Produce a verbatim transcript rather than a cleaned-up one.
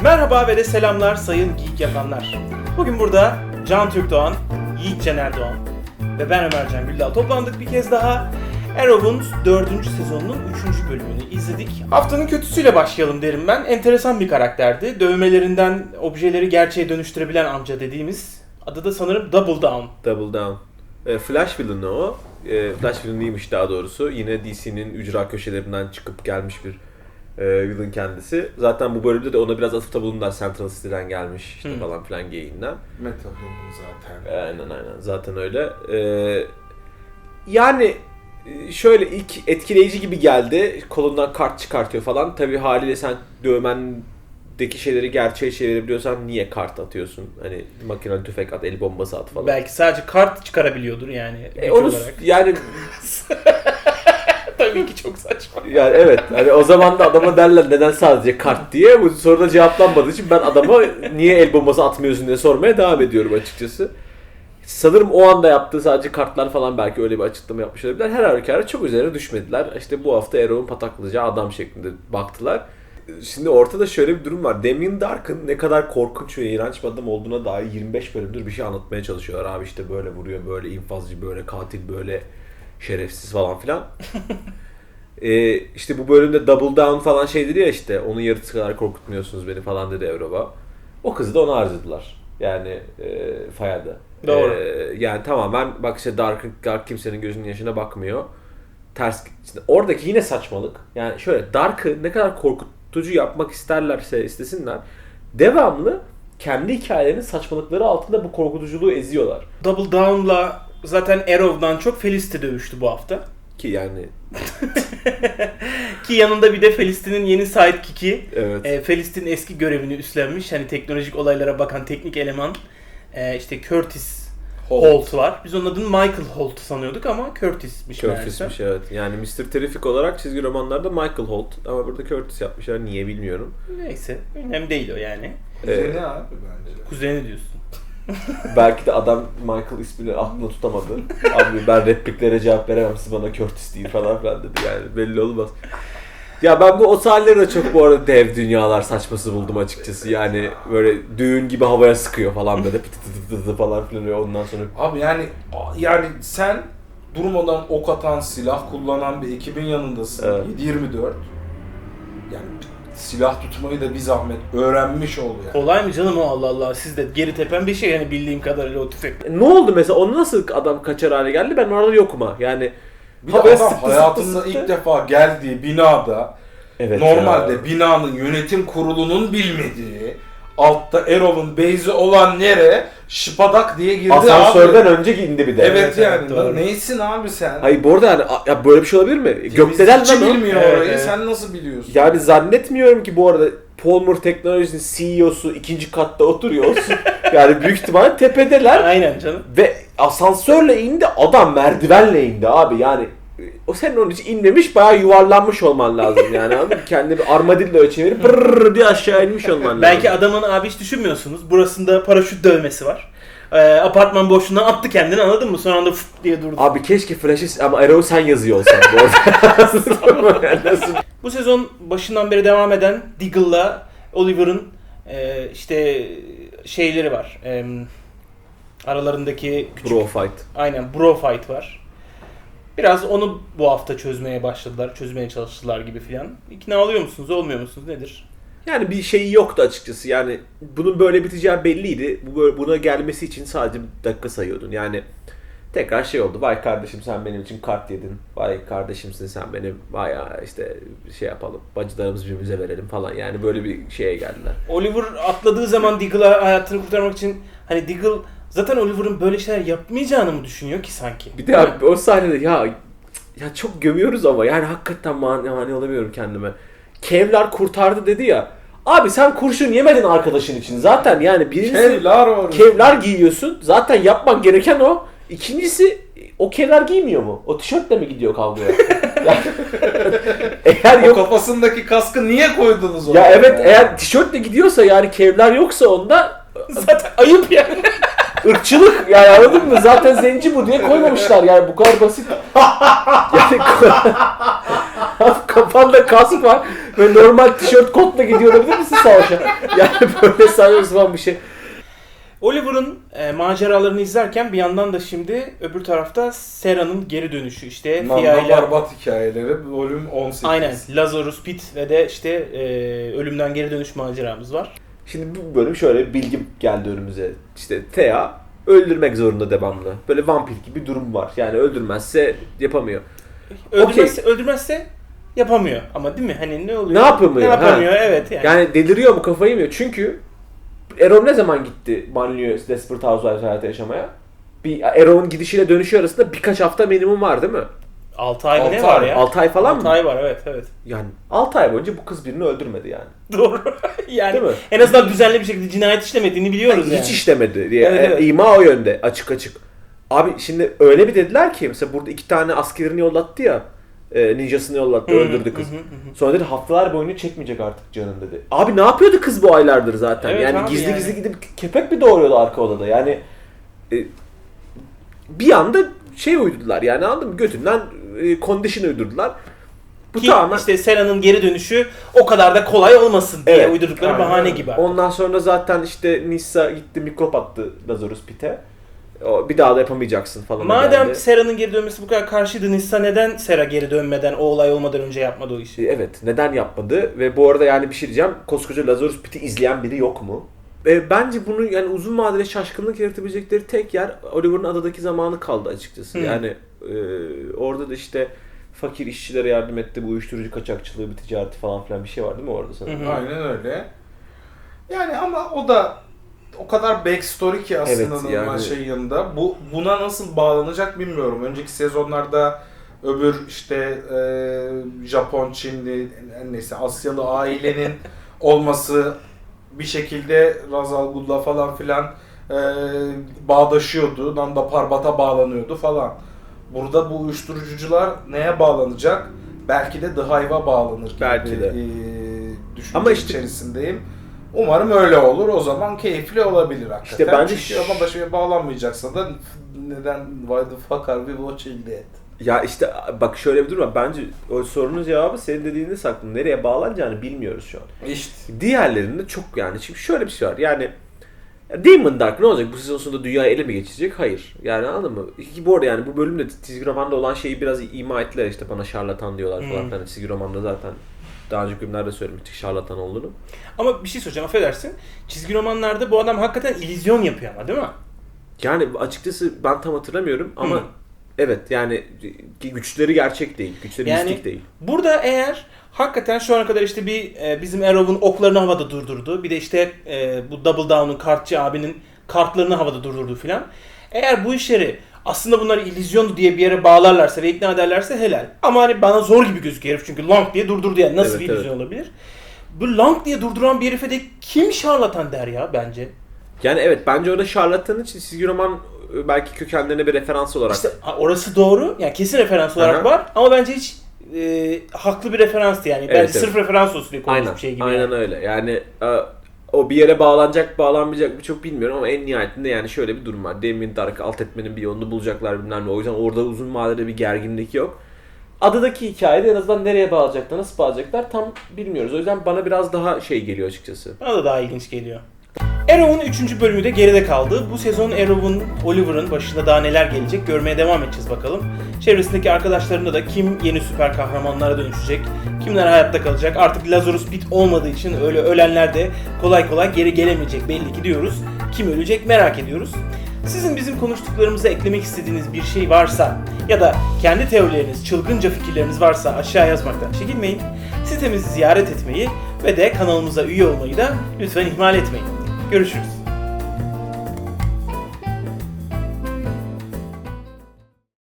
Merhaba ve de selamlar sayın geek yapanlar. Bugün burada Can Türkdoğan, Yiğit Cener Doğan ve ben Ömercan Güldal toplandık bir kez daha. Arrow'un dördüncü sezonunun üçüncü bölümünü izledik. Haftanın kötüsüyle başlayalım derim ben. Enteresan bir karakterdi. Dövmelerinden objeleri gerçeğe dönüştürebilen amca dediğimiz. Adı da sanırım Double Down. Double Down. E, Flash villain'ı o. E, Flash villain'ıymış daha doğrusu. Yine D C'nin ücra köşelerinden çıkıp gelmiş bir e, villain kendisi. Zaten bu bölümde de ona biraz atıfta bulundular. Central City'den gelmiş işte hmm. falan filan geyiğinden. Metal Human zaten. Aynen aynen. Zaten öyle. E, yani şöyle ilk etkileyici gibi geldi. Kolundan kart çıkartıyor falan. Tabii haliyle sen dövmendeki şeyleri gerçeğe çevirebiliyorsan niye kart atıyorsun? Hani makinalı tüfek at, el bombası at falan. Belki sadece kart çıkarabiliyordur yani. E onu olarak. yani tabii ki çok saçma. Yani evet. Hani o zaman da adama derler neden sadece kart diye. Bu soruda cevaplanmadığı için ben adama niye el bombası atmıyorsun diye sormaya devam ediyorum açıkçası. Sanırım o anda yaptığı sadece kartlar falan belki öyle bir açıklama yapmış olabilirler. Her halükarda çok üzerine düşmediler. İşte bu hafta Arrow'un pataklayacağı adam şeklinde baktılar. Şimdi ortada şöyle bir durum var. Damien Dark'ın ne kadar korkunç ve iğrenç bir adam olduğuna dair yirmi beş bölümdür bir şey anlatmaya çalışıyorlar. Abi işte böyle vuruyor, böyle infazcı, böyle katil, böyle şerefsiz falan filan. ee, işte bu bölümde Double Down falan şey dedi ya işte onun yarısı kadar korkutmuyorsunuz beni falan dedi Arrow'a. O kızı da ona harcadılar. Yani e, Faya'da. Doğru. Ee, yani tamamen bak işte Dark, Dark kimsenin gözünün yaşına bakmıyor. Ters. İşte oradaki yine saçmalık. Yani şöyle Dark'ı ne kadar korkutucu yapmak isterlerse istesinler devamlı kendi hikayelerinin saçmalıkları altında bu korkutuculuğu eziyorlar. Double Down'la zaten Arrow'dan çok Felicity dövüştü bu hafta. Ki yani ki yanında bir de Felicity'nin yeni sidekick'i. Evet. E, Felicity'nin eski görevini üstlenmiş. Hani teknolojik olaylara bakan teknik eleman. E, işte Curtis Holt. Holt var. Biz onun adını Michael Holt sanıyorduk ama Curtis'miş meğerse. Curtis'miş evet. Yani mister Terrific olarak çizgi romanlarda Michael Holt ama burada Curtis yapmışlar. Niye bilmiyorum. Neyse. Önemli değil o yani. Kuzeni ee, abi bence. Kuzeni diyorsun. Belki de adam Michael ismini aklına tutamadı. Abi ben repliklere cevap veremem, siz bana Curtis deyin falan filan dedi yani belli olmaz. Ya ben bu o sahneleri de çok bu arada dev dünyalar saçması buldum açıkçası. Yani böyle düğün gibi havaya sıkıyor falan böyle pıtı pıtı pıtı falan filan ondan sonra. Abi yani yani sen durmadan ok atan, silah kullanan bir ekibin yanındasın. Evet. yedi yirmi dört. Yani silah tutmayı da bir zahmet öğrenmiş ol yani. Kolay mı canım o Allah Allah. Siz de geri tepen bir şey yani bildiğim kadarıyla o tüfek. E, ne oldu mesela? Onu nasıl adam kaçar hale geldi? Ben orada yokum ha. Yani bir de adam sıktı, hayatında sıktı, ilk sıktı. defa geldiği binada evet normalde ya. Binanın yönetim kurulunun bilmediği altta Arrow'un base'i olan nere şıpadak diye girdi asansörden abi. önce indi bir de. Evet, evet yani doğru. Neysin abi sen? Hayır bu arada yani ya böyle bir şey olabilir mi? Gökdelen mi bilmiyor evet, orayı evet. Sen nasıl biliyorsun? Yani zannetmiyorum ki bu arada Palmer Technologies'in C E O'su ikinci katta oturuyor olsun. Yani büyük ihtimalle tepedeler. Aynen canım. Ve asansörle indi, adam merdivenle indi abi yani. O senin onun için inmemiş, bayağı yuvarlanmış olman lazım yani anladın mı? Kendini bir armadillo'ya çevirip brrrr diye aşağı inmiş olman lazım. Belki adamın abi hiç düşünmüyorsunuz. Burasında paraşüt dövmesi var. Ee, apartman boşluğundan attı kendini anladın mı? Son anda fıt diye durdu. Abi keşke Flash'ı ama Arrow sen yazıyor olsan bu arada. Bu sezon başından beri devam eden Diggle'la Oliver'ın e, işte şeyleri var. E, aralarındaki küçük... Bro fight. Aynen bro fight var. Biraz onu bu hafta çözmeye başladılar, çözmeye çalıştılar gibi filan. İkna oluyor musunuz, olmuyor musunuz, nedir? Yani bir şeyi yoktu açıkçası. Yani bunun böyle biteceği belliydi. Bu buna gelmesi için sadece bir dakika sayıyordun. Yani tekrar şey oldu. Vay kardeşim sen benim için kart yedin. Vay kardeşimsin sen benim. Vay ya işte şey yapalım. Bacılarımızı birbirimize verelim falan. Yani böyle bir şeye geldiler. Oliver atladığı zaman Diggle'a hayatını kurtarmak için hani Diggle zaten Oliver'ın böyle şeyler yapmayacağını mı düşünüyor ki sanki? Bir de abi, o sahnede ya ya çok gömüyoruz ama yani hakikaten mani, mani olamıyorum kendime. Kevlar kurtardı dedi ya. Abi sen kurşun yemedin arkadaşın için. Zaten yani birincisi Kevlar, Kevlar giyiyorsun. Zaten yapman gereken o. İkincisi o Kevlar giymiyor mu? O tişörtle mi gidiyor kavgaya? Yani, eğer yok, o kafasındaki kaskı niye koydunuz oraya? Ya evet yani? Eğer tişörtle gidiyorsa yani Kevlar yoksa onda zaten ayıp yani. Irkçılık yani anladın mı? Zaten zenci bu diye koymamışlar yani bu kadar basit. Yani kafanda kask var. Böyle normal tişört kotla gidiyor olabilir misin savaşa? Yani böyle saçma sapan bir şey. Oliver'ın e, maceralarını izlerken bir yandan da şimdi öbür tarafta Sera'nın geri dönüşü işte Fia Nanda ile Parbat hikayeleri bölüm on sekiz. aynen Lazarus Pit ve de işte e, ölümden geri dönüş maceramız var. Şimdi bu bölüm şöyle bir bilgi geldi önümüze. İşte Thea öldürmek zorunda devamlı. Böyle vampir gibi bir durum var. Yani öldürmezse yapamıyor. Öldürmezse, öldürmezse yapamıyor ama değil mi? Hani ne oluyor? Ne yapamıyor? Ne yapamıyor? Ha. Evet yani. Yani deliriyor mu, kafayı yemiyor. Çünkü Erol ne zaman gitti Banlieue Desperate Housewives hayatı yaşamaya? Bir Erol'un gidişiyle dönüşü arasında birkaç hafta minimum var değil mi? altı ay mı ne altı var ay, ya? altı ay falan altı mı? ay var evet evet. Yani altı ay boyunca bu kız birini öldürmedi yani. Doğru. Yani Değil mi? en azından düzenli bir şekilde cinayet işlemediğini biliyoruz Yani yani. hiç işlemedi diye. Evet, evet. İma o yönde açık açık. Abi şimdi öyle bir dediler ki mesela burada iki tane askerini yollattı ya. E, ninjasını yollattı, Hı hı, öldürdü kız. hı hı, hı. Sonra dedi haftalar boyunca çekmeyecek artık canım dedi. Abi ne yapıyordu kız bu aylardır zaten? Evet yani abi gizli yani. gizli gidip kepek mi doğuruyordu arka odada? Yani e, bir anda şey uydurdular yani anladın mı? Götünden e, condition uydurdular. Bu Ki tamamen işte Sera'nın geri dönüşü o kadar da kolay olmasın diye Evet, uydurdukları aynen bahane öyle. gibi. ondan sonra zaten işte Nissa gitti mikrop attı Lazarus Pit'e. O, bir daha da yapamayacaksın falan. Madem geldi. Sera'nın geri dönmesi bu kadar karşıydı, Nissa neden Sera geri dönmeden, o olay olmadan önce yapmadı o işi? Evet, neden yapmadı? Ve bu arada yani bir şey diyeceğim. Koskoca Lazarus Pit'i izleyen biri yok mu? Ve bence bunu yani uzun vadeli şaşkınlık yaratabilecekleri tek yer Oliver'ın adadaki zamanı kaldı açıkçası. Hı. Yani e, orada da işte fakir işçilere yardım etti, bu uyuşturucu kaçakçılığı, bir ticareti falan filan bir şey var değil mi orada sanırım? Hı hı. Aynen öyle. Yani ama o da o kadar backstory ki aslında Evet, normal yani- şey yanında. Bu buna nasıl bağlanacak bilmiyorum. Önceki sezonlarda öbür işte e, Japon, Çinli, neyse Asyalı ailenin olması bir şekilde Ra's al Ghul'la falan filan e, bağdaşıyordu. Nanda Parbat'a bağlanıyordu falan. Burada bu uyuşturucucular neye bağlanacak? Belki de The Hive'a bağlanır gibi Belki bir, de. e, düşünce Ama işte- içerisindeyim. Umarım öyle olur. O zaman keyifli olabilir hakikaten. İşte bence Çünkü ş- ama başıma bağlanmayacaksa da neden why the fuck are we watching that? Ya işte bak şöyle bir durum var. Bence o sorunun cevabı senin dediğinde saklı. Nereye bağlanacağını bilmiyoruz şu an. İşte. Diğerlerinde çok yani. Şimdi şöyle bir şey var. Yani Demon Dark ne olacak? Bu sezon sonunda dünyayı ele mi geçirecek? Hayır. Yani anladın mı? Ki bu arada yani bu bölümde çizgi romanda olan şeyi biraz ima ettiler işte bana şarlatan diyorlar falan. Hmm. Yani çizgi romanda zaten daha önceki bölümlerde söylemiştik şarlatan olduğunu. Ama bir şey soracağım, affedersin. Çizgi romanlarda bu adam hakikaten illüzyon yapıyor ama değil mi? Yani açıkçası ben tam hatırlamıyorum ama Hı. evet yani güçleri gerçek değil. Güçleri Yani- mistik değil. Burada eğer hakikaten şu ana kadar işte bir e, bizim Arrow'un oklarını havada durdurdu. Bir de işte e, bu Double Down'un kartçı abinin kartlarını havada durdurdu filan. Eğer bu işleri aslında bunları illüzyondu diye bir yere bağlarlarsa ve ikna ederlerse helal. Ama hani bana zor gibi gözüküyor herif çünkü Long diye durdurdu yani nasıl Evet, bir illüzyon olabilir? Bu Long diye durduran bir herife de kim şarlatan der ya bence? Yani evet bence orada şarlatanın için çizgi roman e, belki kökenlerine bir referans olarak. İşte ha, orası doğru. Yani kesin referans olarak Aha. var ama bence hiç e, haklı bir referanstı yani. Evet, Bence evet. sırf referans olsun diye konmuş Aynen, bir şey gibi. aynen yani. öyle. Yani e, o bir yere bağlanacak, bağlanmayacak mı çok bilmiyorum ama en nihayetinde yani şöyle bir durum var. Damien Dark'ı alt etmenin bir yolunu bulacaklar bilmem ne. O yüzden orada uzun vadede bir gerginlik yok. Adadaki hikayede en azından nereye bağlayacaklar, nasıl bağlayacaklar tam bilmiyoruz. O yüzden bana biraz daha şey geliyor açıkçası. Bana da daha ilginç geliyor. Arrow'un üçüncü bölümü de geride kaldı. Bu sezon Arrow'un, Oliver'ın başında daha neler gelecek görmeye devam edeceğiz bakalım. Çevresindeki arkadaşlarında da kim yeni süper kahramanlara dönüşecek, kimler hayatta kalacak. Artık Lazarus Pit olmadığı için öyle ölenler de kolay kolay geri gelemeyecek belli ki diyoruz. Kim ölecek merak ediyoruz. Sizin bizim konuştuklarımıza eklemek istediğiniz bir şey varsa ya da kendi teorileriniz, çılgınca fikirleriniz varsa aşağı yazmaktan çekinmeyin. Sitemizi ziyaret etmeyi ve de kanalımıza üye olmayı da lütfen ihmal etmeyin. Görüşürüz.